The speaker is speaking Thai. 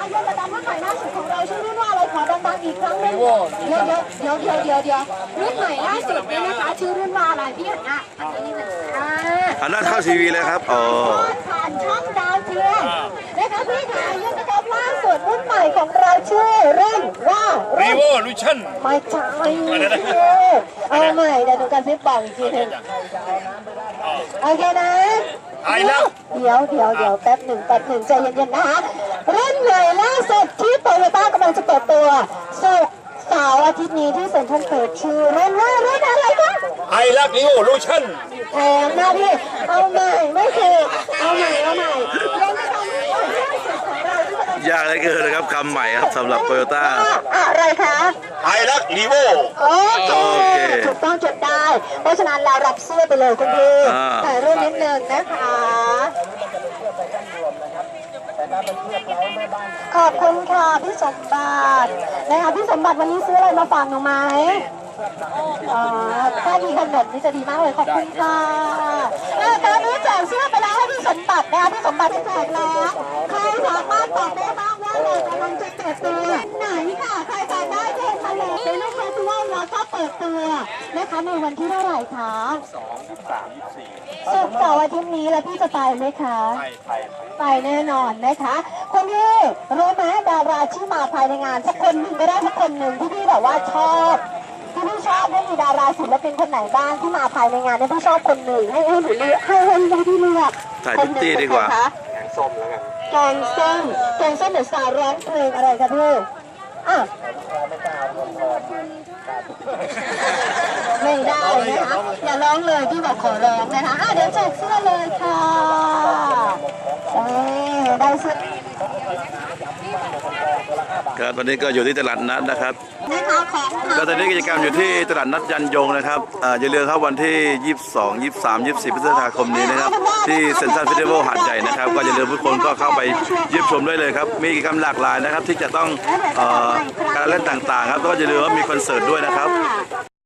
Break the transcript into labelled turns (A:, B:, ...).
A: ยนระดับรุ่นใหม่ล่าสุดของเราชื่อรุ่นว่าอะไรขอดังๆอีกครั้งหนึงเดี๋ยวรุ่นใหม่ล่าสุดเนี่ยนะคะชื่อรุ่นว่าอะไรพี่หันหน้าอันนี้มัน
B: หันหน้าเข้าทีวีเลยครับอ๋อ
A: ผ่านช่องดาวเทียมนะคะพี่ค่ะยนระดับล่าสุดรุ่นใหม่ของเราชื่อรุ่นว่า
C: Revolution
A: ไม่ใช่เอาใหม่เดี๋ยวดูกันซิบอกอีกทีหนึ่งโอเคนะเดี๋ยวแป๊บหนึ่งใจเย็นๆนะคะรุ่นใหม่ล่าสุดที่โตโยต้ากำลังจะเปิดตัวศุกร์เสาร์อาทิตย์นี้ที่เซ็นทรัลเปิดชื่อรุ่นว่ารุ่นอะไรคะ
C: ไอรัก Revolution
A: แพงมากพี่เอาใหม่ไม่ถูกเอาใหม่ยังไม่ทำรุ่นใหม่ล่าสุดของเราที่กำลัง
B: ยากเหลือเกินนะครับคำใหม่ครับสำหรับโตโยต้า
A: อะไรคะ
C: ไอรัก Revo
A: โอเคถูกต้องจดได้ เพราะฉะนั้นเรารับเสื้อไปเลยคุณพี่ถ่ายรูปนิดนึงนะคะขอบคุณค่ะพี่สมบัตินะคะพี่สมบัติวันนี้ซื้ออะไรมาฝากหนูไหมถ้ามีขนมนี่จะดีมากเลยขอบคุณค่ะตอนนี้แจกเสื้อไปแล้วให้พี่สมบัตินะคะพี่สมบัติจะแจกแล้วใครสามารถตอบได้บ้างว่าเรากำลังจะเปิดตัวไหนค่ะใครตอบได้เชิญมาเลยในลูกเฟสติวัลแล้วก็เปิดตัวนะคะในวันที่เท่าไหร่คะศุกร์เสาร์อาทิตย์นี้แล้วพี่จะไปไหมคะไปแน่นอนนะคะคนที่รู้ไหมดาราที่มาภายในงานสักคนหนึ่งก็ได้สักคนหนึ่งที่พี่แบบว่าชอบที่พี่ชอบมีดาราศิลปินคนไหนบ้างที่มาภายในงานเนี่ยพี่ชอบคนหนึ่งให้หนูเลือกให้พี่เลือก
B: ถ่ายพิตตี้ดีกว่า
A: แกงส้มแล้วกันแกงส้มเดี๋ยวสาวร้องเพลงอะไรคะพี่ไม่ได้นะคะอย่าร้องเลยพี่บอกขอร้องนะคะเดี๋ยวแจกเสื้อเลยค่ะได้เสื้อ
B: ครับวันนี้ก็อยู่ที่ตลาดนัดนะครับก็ตอนนี้กิจกรรมอยู่ที่ตลาดนัดยันยงนะครับอย่าลืมครับวันที่22 23 24 พฤษภาคมนี้นะครับที่เซ็นทรัลเฟสติวัลหาดใหญ่นะครับก็อย่าลืมทุกคนก็เข้าไปเยี่ยมชมได้เลยครับมีกิจกรรมหลากหลายนะครับที่จะต้องการเล่นต่างๆครับก็อย่าลืมว่ามีคอนเสิร์ตด้วยนะครับ